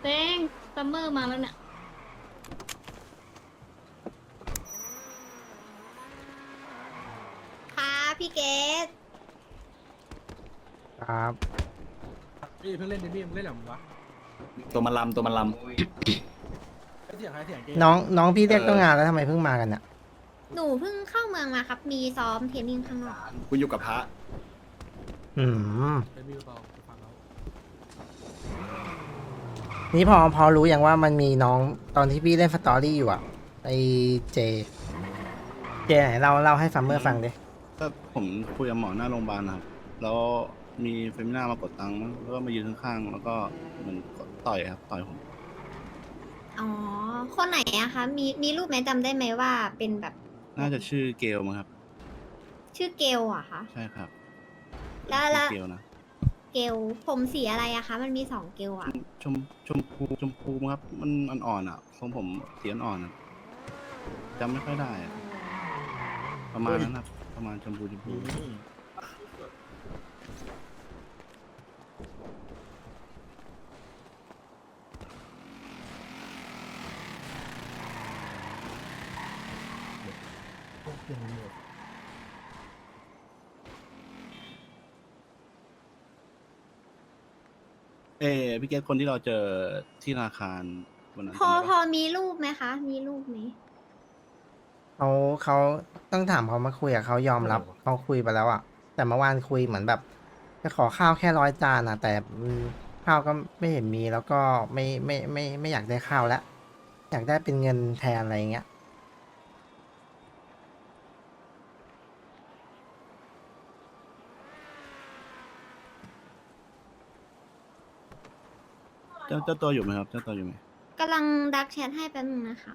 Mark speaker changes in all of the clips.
Speaker 1: เต้งซัมเมอร์มาแล้วเนี่ย
Speaker 2: ค่ะพี่เกด
Speaker 3: ครับ
Speaker 4: พี่เพิ่งเล่นดิมี่มึงเล่นหรอมึงวะ
Speaker 5: ตัวมันล
Speaker 4: ไอเสียงใครเสียงเก
Speaker 3: น้องพี่เรียกตั้งงานแล้วทำไมเพิ่งมากันเนี่ย
Speaker 2: หนูเพิ่งเข้าเมืองมาครับ มีซ้อมเทรนนิ่งข้างนอก
Speaker 5: ำกูอยู่กับพระ
Speaker 3: อืม
Speaker 4: เป็นมีเบาฟังเขา
Speaker 3: นี่พอรู้อย่างว่ามันมีน้องตอนที่พี่เล่นสตอรี่อยู่อ่ะไอเจไหนเล่าให้ซัมเมอร์ฟังดิ
Speaker 6: ก็ผมคุยกับหมอหน้าโรงพยาบาลนะครับ แล้วมีเฟมิน่ามากดตังค์มั้งแล้วก็มายืนข้างๆ แล้วก็เหมันต่อยครับ ต่อยผม
Speaker 2: อ๋อ คนไหนอะคะ มีรูปไหมจำได้ไหมว่าเป็นแบบ
Speaker 6: น่าจะชื่อเกลมั้งครับ
Speaker 2: ชื่อเกลอะคะ
Speaker 6: ใช่ครับ
Speaker 2: แล้ว
Speaker 6: ชื่
Speaker 2: แล้
Speaker 6: อ
Speaker 2: ว
Speaker 6: เกลนะ
Speaker 2: เกลผมสีอะไรอะคะ มันมี2เกลอะ
Speaker 6: ชมพูมั้งครับ มันอ่อนๆอ่ะทรงผมสีอ่อนๆอะจำไม่ค่อยได้อะประมาณนั้นครับ ประมาณชมพู พี่เกศคนที่เราเจอที่ธนาคารวันนั้น
Speaker 2: พอ
Speaker 6: จำได้
Speaker 2: พอ
Speaker 6: ปะ
Speaker 2: มีรูปไหมคะ มีรูปไหม
Speaker 3: เขาต้องถามเขามาคุยอะเขายอมรับเขาคุยไปแล้วอ่ะแต่เมื่อวานคุยเหมือนแบบจะขอข้าวแค่100 จานอ่ะแต่ข้าวก็ไม่เห็นมีแล้วก็ไม่อยากได้ข้าวแล้วอยากได้เป็นเงินแทนอะไรเงี้ย
Speaker 6: เจ้าตัวอยู่ไหมครับ เจ้าตัวอยู่ไหม
Speaker 2: กำลังดักแชทให้แป๊บนึงนะคะ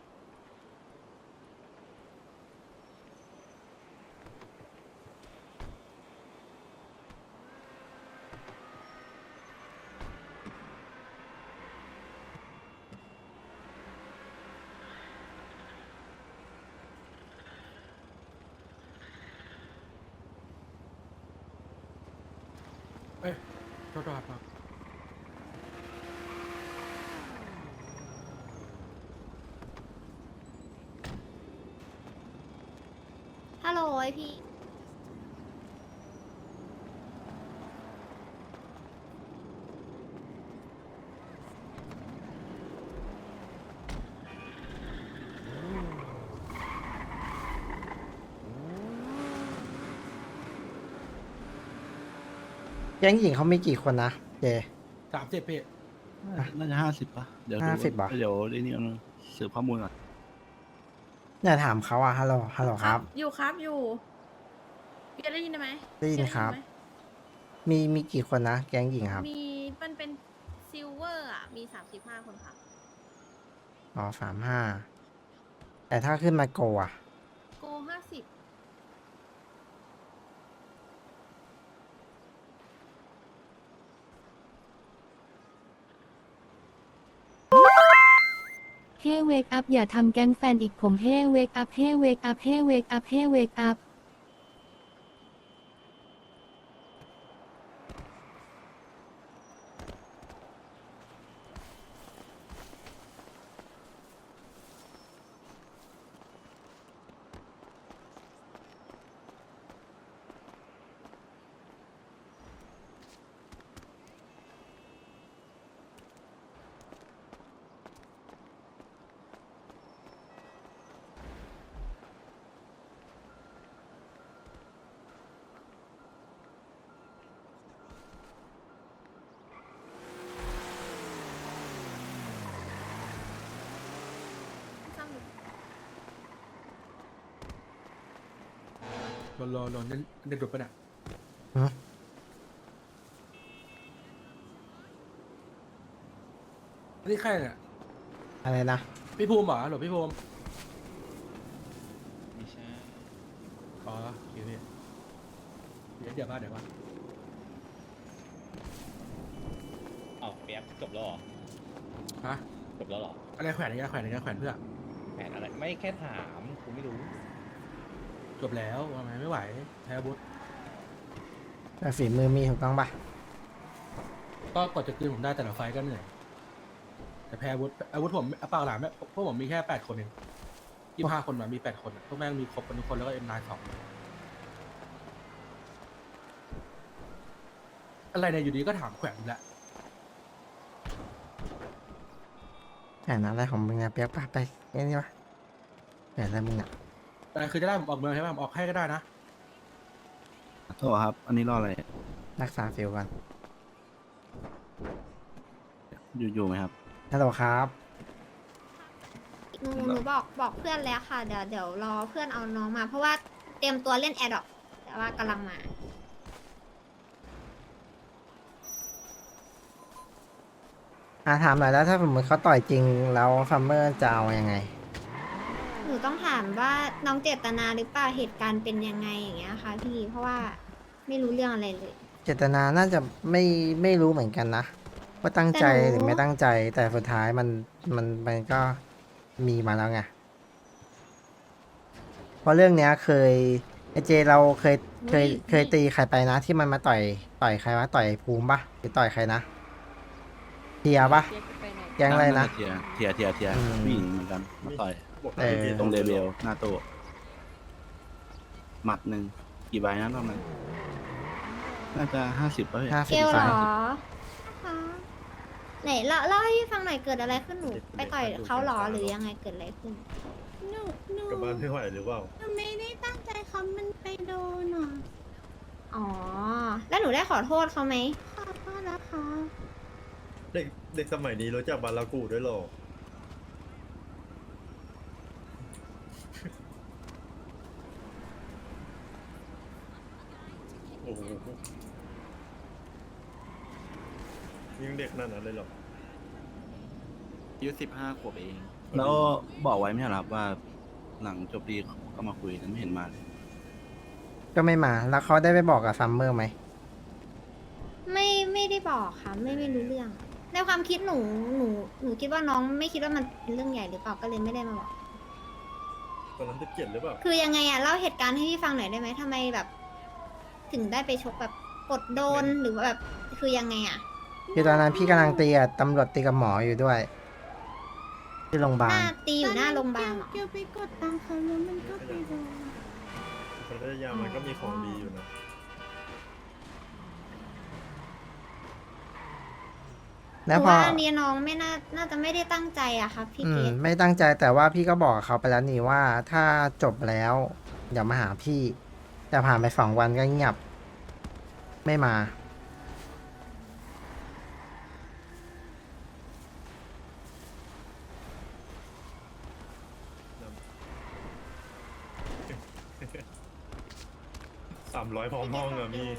Speaker 4: เอ้ยโทษครับ
Speaker 2: ฮัลโหลไอพี่
Speaker 3: แก๊งหญิงเขามีกี่คนนะเจ
Speaker 4: 30เพจ
Speaker 6: น่าจะ50ป่ะ เดี๋ยวดู
Speaker 3: 50เหรอ
Speaker 6: เดี๋ยวนี่เอาสืบข้อมูลก่อน
Speaker 3: อย่าถามเขาอ่ะฮัลโหลครับ
Speaker 1: อยู่ครับอยู่พี่ได้ยินไหม
Speaker 3: ได้ยินครับ
Speaker 1: ไหม
Speaker 3: มีกี่คนนะแก๊งหญิงครับ
Speaker 1: มีมันเป็นซิลเวอร์อ่ะมี35คนค่ะ
Speaker 3: อ๋อ35แต่ถ้าขึ้นมาโกอ่ะ
Speaker 1: โก50
Speaker 7: เฮ้เวกอัพอย่าทำแก๊งแฟนอีกผมเฮ้เวกอัพเฮ้เวกอัพเฮ้เวกอัพเฮ้เวกอัพ
Speaker 4: รอเล่นเด็กดุปะเนี่ย
Speaker 3: ฮะ
Speaker 4: อันนี้ใครเนี่ย
Speaker 3: อะไรนะ
Speaker 4: พี่ภูมิเหรอหรอพี่ภูมิ
Speaker 5: ไม่ใช่
Speaker 4: อ๋อโอเคพี่เดี๋ยวมา
Speaker 5: อ้าวเปียกจบแล้วเหรอ
Speaker 4: ฮะ
Speaker 5: จบแล้วเหรอ
Speaker 4: อะไรแขวนอะไรแขวนเพื่อ
Speaker 5: แผนอะไรไม่แค่ถามกูไม่รู้
Speaker 4: จบแล้วทำไมไม่ไหวแพ้บุต
Speaker 3: แต่ฝีมือมีถูกต้องปะ
Speaker 4: ก็กดจะคืนผมได้แต่ละไฟล์ก็เหนื่อยแต่แพ้อาวุธผมเปล่าหลามพวกผมมีแค่8 คนเอง25 คนมามี8 คนอะพวกแม่งมีครบกันทุกคนแล้วก็M92อะไรเนี่ยอยู่ดีก็ถามแขวนแหละ
Speaker 3: แผนอะไรของมึงอะเปียกปะไปนี่วะแผนอะไรมึงอะ
Speaker 4: แต่คือจะได้ผมออกเมืองใช่ไหมผมออกให้ก็ได้นะ
Speaker 6: โทษครับ อันนี้รออะไร
Speaker 3: รักษาฟิลก่อน
Speaker 6: อยู่ไหมครับ
Speaker 3: ฮัลโหลครับ
Speaker 2: หนูบอกเพื่อนแล้วค่ะ เดี๋ยวรอเพื่อนเอาน้องมา เพราะว่าเตรียมตัวเล่นแอร์ดรอปแต่ว่ากำลังมา
Speaker 3: ถามหน่อยแล้วถ้าสมมติเขาต่อยจริงแล้วซัมเมอร์จะเอายังไง
Speaker 2: หนูต้องถามว่าน้องเจตนาหรือเปล่าเหตุการณ์เป็นยังไงอย่างเงี้ยค่ะพี่ เพราะว่าไม่รู้เรื่องอะไรเลย
Speaker 3: เจตนาน่าจะไม่รู้เหมือนกันนะ ว่าตั้งใจ
Speaker 2: แต่หนู
Speaker 3: หรือไม่ตั้งใจ แต่สุดท้ายมันก็มีมาแล้วไง เพราะเรื่องเนี้ยเคยไอเจเราเคยตีใครไปนะ ที่มันมาต่อยใครวะต่อยภูมิปะหรือต่อยใครนะเทียปะแก๊งอะไรนะ
Speaker 6: เทีย
Speaker 3: อืม
Speaker 6: ผู้หญิงเหมือนกันมาต่อย
Speaker 3: เออ
Speaker 6: ตรงเดเบลหน้าโต๊ะหมัดหนึ่งกี่ใบนะรอบนั้นน่าจะ50ป่ะพี่
Speaker 3: 50
Speaker 2: เกลเหร
Speaker 3: ใบ
Speaker 2: อคะไหนเล่าให้พี่ฟังหน่อยเกิดอะไรขึ้นหนูไปต่อยเขาเหรอหรือยังไงเกิดอะไรขึ้น
Speaker 8: หนู
Speaker 9: กลับบ้านไม่ไหวหรือเปล่า
Speaker 8: หนูไม่ได้ตั้งใจเขามันไปโดนอ่ะ
Speaker 2: อ๋อ แล้วหนูได้ขอโทษเขาไหม
Speaker 8: ขอโทษนะคะ
Speaker 9: เด็กสมัยนี้รู้จักบารากูด้วยเหรอ โอ้โหยังเด็กนั่นนั้นเลยเหรอ
Speaker 6: อายุ15 ขวบเอง แล้วบอกไว้ไม่ใช่เหรอครับว่าหลังจบดีก็มาคุยแต่ไม่เห็นมาเลย
Speaker 3: ก็ไม่มา แล้วเขาได้ไปบอกกับซัมเมอร์ไหม
Speaker 2: ไม่ได้บอกค่ะ ไม่รู้เรื่อง ในความคิดหนูคิดว่าน้องไม่คิดว่ามันเป็นเรื่องใหญ่หรือเปล่าก็เลยไม่ได้มาบอก
Speaker 9: ตอนนั้นจะเกลียดหรือเปล่า
Speaker 2: คือยังไงอะเล่าเหตุการณ์ให้พี่ฟังหน่อยได้ไหมทำไมแบบ ถึงได้ไปชกแบบกดโดนหรือว่าแบบคือยังไงอะ
Speaker 3: คือตอนนั้นพี่กำลังตีกับตำรวจตีกับหมออยู่ด้วย ที่โรงพยาบา
Speaker 2: ห
Speaker 3: ล
Speaker 2: น้าตีอยู่หน้าโรงพยาบาลเหรอ
Speaker 8: เกียวไปกดตังค์เขาแล้วมันก็ไปโดน
Speaker 9: คนพัทยามันก็มีของดีอยู่นะ
Speaker 2: ห
Speaker 3: แล้ว
Speaker 2: นู
Speaker 3: พอ
Speaker 2: ว่าอันนี้น้องไม่น่าจะไม่ได้ตั้งใจอะครับพี่เกด
Speaker 3: ไม่ตั้งใจแต่ว่าพี่ก็บอกกับเขาไปแล้วนี่ว่าถ้าจบแล้วอย่ามาหาพี่ แต่ผ่านไป2 วันก็เงียบ ไม่มา
Speaker 9: 300พร้อมห้องอะมี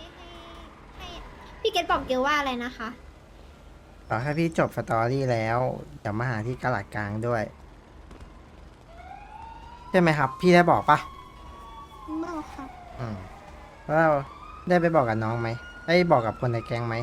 Speaker 2: พี่เกดบอกเกลว่าอะไรนะคะ
Speaker 3: ต่อให้พี่จบสตอรี่แล้วอย่ามาหาที่กะหลัดกลางด้วย ใช่ไหมครับ พี่ได้บอกปะ
Speaker 8: บอกค่ะ
Speaker 3: แล้วเราได้ไปบอกกับน้องไหมได้บอกกับคนในแก๊งไหม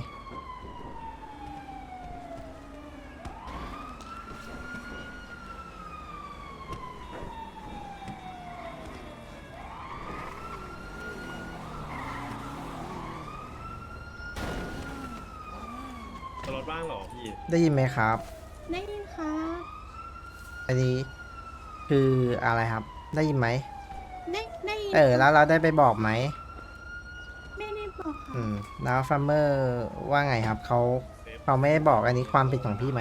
Speaker 9: ตลอดบ้างเหรอพี่
Speaker 3: ได้ยินไหมครับ
Speaker 8: ได้ยินค่ะ
Speaker 3: อันนี้คืออะไรครับ ได้ยินไหม
Speaker 8: ได้ยิน
Speaker 3: แล้วเราได้ไปบอกไหม
Speaker 8: ไม่ได้บอกค่ะ
Speaker 3: แล้วฟัมเมอร์ว่าไงครับเขาไม่ได้บอกอันนี้ความผิดของพี่ไหม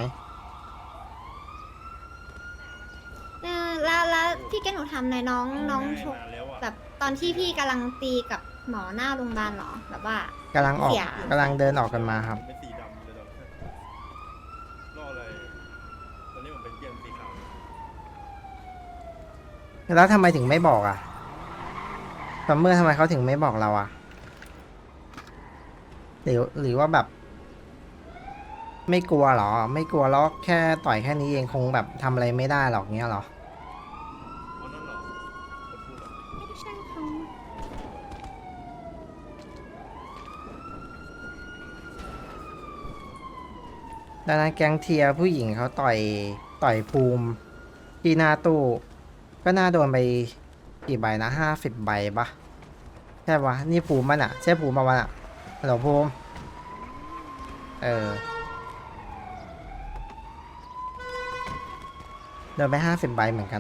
Speaker 2: แล้วพี่เกดหนูทำในอยน้องชก
Speaker 9: นานแล้วอะ
Speaker 2: แบบตอนที่พี่กำลังตีกับหมอหน้าโรงพยาบาลเหรอ แบบว่า
Speaker 3: กำลังออก
Speaker 2: เสีย
Speaker 3: กำลังเดินออกกันมาครับ
Speaker 9: เป็นสีดำเลยตอนนั้นรออะไร ตอนนี้ผมเป็นเกียร์สีขาว
Speaker 3: แล้วทำไมถึงไม่บอกอ่ะซัมเมอร์ทำไมเขาถึงไม่บอกเราอ่ะหรือว่าแบบ ไม่กลัวเหรอ ไม่กลัวแล้วแค่ต่อยแค่นี้เองคงแบบทำอะไรไม่ได้หรอกเงี้ยเหรอ
Speaker 9: อ๋อนั่นเหรอคนพูดเหรอ
Speaker 8: ไม่ใช่เขา
Speaker 3: ดังนั้นแก๊งเทียร์ผู้หญิงเขาต่อยภูมิที่หน้าตู้ ก็น่าโดนไปกี่ใบนะ50 ใบปะใช่ปะนี่ภูมิมันอ่ะ ใช่ภูมิปะวันอ่ะฮัลโหลภูมิโดนไป50 ใบเหมือนกัน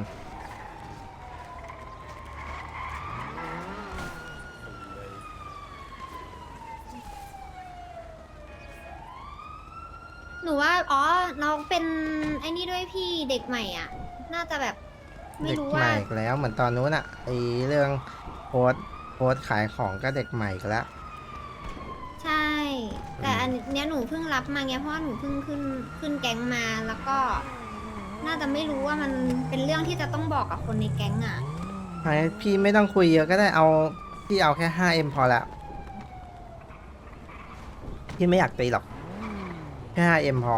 Speaker 2: หนูว่าอ๋อน้องเป็นไอ้นี่ด้วยพี่เด็กใหม่อ่ะ น่าจะแบบไม่
Speaker 3: เด็ก
Speaker 2: รู้
Speaker 3: ให
Speaker 2: ว่า
Speaker 3: ม่อีกแล้วเหมือนตอนนู้นอะไอเรื่องโพสต์ขายของก็เด็กใหม่อีกแล้ว
Speaker 2: ใช่ แต่อันเนี้ยหนูเพิ่งรับมาไงเพราะว่าหนูเพิ่งขึ้นแก๊งมาแล้วก็ น่าจะไม่รู้ว่ามันเป็นเรื่องที่จะต้องบอกกับคนในแก๊งอ่ะ
Speaker 3: พี่ไม่ต้องคุยเยอะก็ได้เอาพี่เอาแค่ 5M พอละพี่ไม่อยากตีหรอกแค่ 5M พอ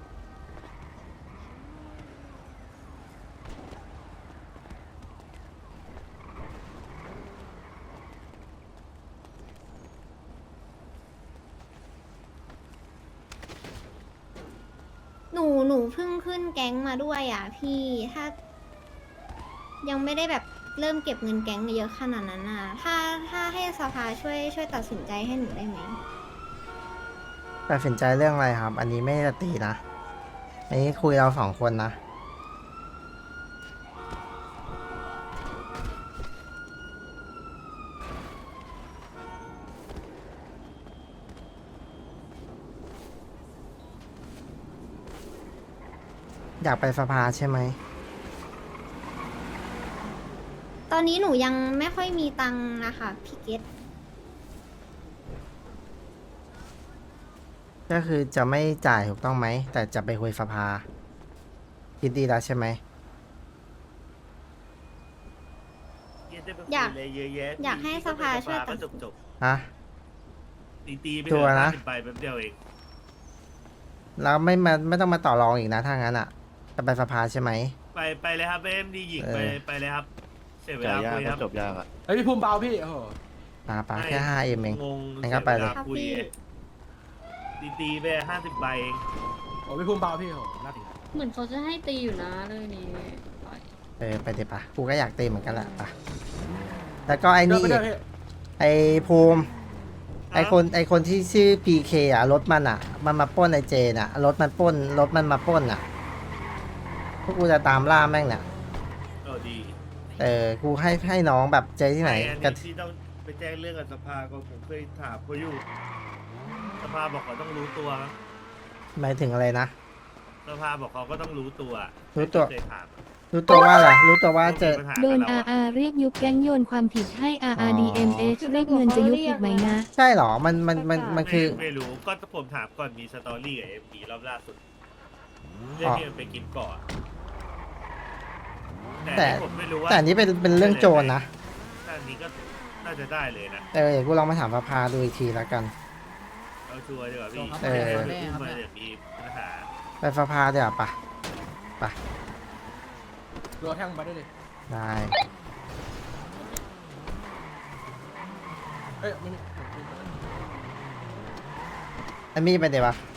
Speaker 2: หนูเพิ่งขึ้นแก๊งมาด้วยอ่ะ พี่ถ้า ยังไม่ได้แบบเริ่มเก็บเงินแก๊งเยอะขนาดนั้นอ่ะ ถ้าให้สภาช่วยตัดสินใจให้หนูได้ไหม
Speaker 3: ตัดสินใจเรื่องอะไรครับ อันนี้ไม่ได้ตีนะ อันนี้คุยเรา2 คนนะ อยากไปสภาใช่ไหม
Speaker 2: ตอนนี้หนูยังไม่ค่อยมีตังค์นะคะพี่เกต
Speaker 3: ก็คือจะไม่จ่ายถูกต้องไหม แต่จะไปคุยสภา คิดดีแล้วใช่ไหม
Speaker 2: อยากให้สภาช่วยตัดสิน
Speaker 3: ฮะ
Speaker 9: ตีไป
Speaker 3: ชัวร์นะ
Speaker 9: 50 ใบแป๊บเดียวเอง
Speaker 3: แล้วไม่ต้องมาต่อรองอีกนะถ้างั้นอ่ะ จะไปสภาใช่ไหม
Speaker 9: ไปเลยครับเอ็มดีหญิง
Speaker 3: เออ
Speaker 9: ไปเลยครับ เสียเว
Speaker 6: จ่า
Speaker 9: ลาย
Speaker 6: ยาก
Speaker 9: คุยค
Speaker 6: ก็
Speaker 9: รับ
Speaker 6: จบยากอะ
Speaker 4: เฮ้ยพี่ภูมิเบาพี่โอ้โห
Speaker 3: ปาแค่ 5M เอง
Speaker 9: งง
Speaker 3: งั้นก็ไปเลย
Speaker 9: สีวาคุยตีไป50 ใบเอง
Speaker 4: โอ้พี่ภูมิเบาพี่โอ้โหน่าตี
Speaker 1: เหมือนเขาจะให้ตีอยู่นะเรื่องนี้
Speaker 3: ไปเดี๋ยวปะกูก็อยากตีเหมือนกันแหละปะแล้วก็ไอ้นี่
Speaker 4: เดิ
Speaker 3: อี
Speaker 4: ไป
Speaker 3: ก
Speaker 4: เดินพี่
Speaker 3: ไอ้ภูมิ ไอคนที่ชื่อ PK อ่ะรถมันอ่ะ มันมาปล้นไอเจนอ่ะรถมันมาปล้นอ่ะพวกกูจะตามล่าแม่งเนี่ย
Speaker 9: ดี
Speaker 3: กูให้น้องแบบเจอที่ไหน
Speaker 9: อัน
Speaker 3: กัน
Speaker 9: นี้ที่ต้องไปแจ้งเรื่องกับสภาก็ผมเคยถามเขาอยู่ สภาบอกเขาต้องรู้ตัวครับ
Speaker 3: หมายถึงอะไรนะ
Speaker 9: สภาบอกเขาก็ต้องรู้ตัว
Speaker 3: รู้ตัว
Speaker 9: เคยถาม
Speaker 3: รู้ตัวว่าอะไรรู้ตัวว่าเจอ
Speaker 9: มีปัญหา
Speaker 7: โดน
Speaker 9: กับเราอะ
Speaker 7: RR เรียกยุบแก๊งโยนความผิดให้ RRDMH เรียกเงินจะยุบอีกไหมนะ
Speaker 3: ใช่เหรอมันคือ
Speaker 9: ไม่รู้ก็ผมถามก่อนมีสตอรี่กับเอ็มพีรอบล่าสุดเรื่องที่มันไปกินเกาะ
Speaker 3: แต่
Speaker 9: ที่ผมไม่รู้ว่า
Speaker 3: แต่อันนี้เป็นเรื่องโจรนะ
Speaker 9: แต่อันนี้ก็น่าจะได้เลยนะ
Speaker 3: เดี๋ยวกูลองมาถามสภาดูอีกทีแล้วกัน
Speaker 9: เอาชัวร์ดีกว่าพี่
Speaker 3: เออ
Speaker 9: มันจะมีปัญหา
Speaker 3: ไปสภาเดี๋ยวปะ
Speaker 4: รอแท่งไปได้เลย
Speaker 3: ได้
Speaker 4: เอ้ยไม่มี
Speaker 3: ไอ้มี่ไปเดี๋ยวปะ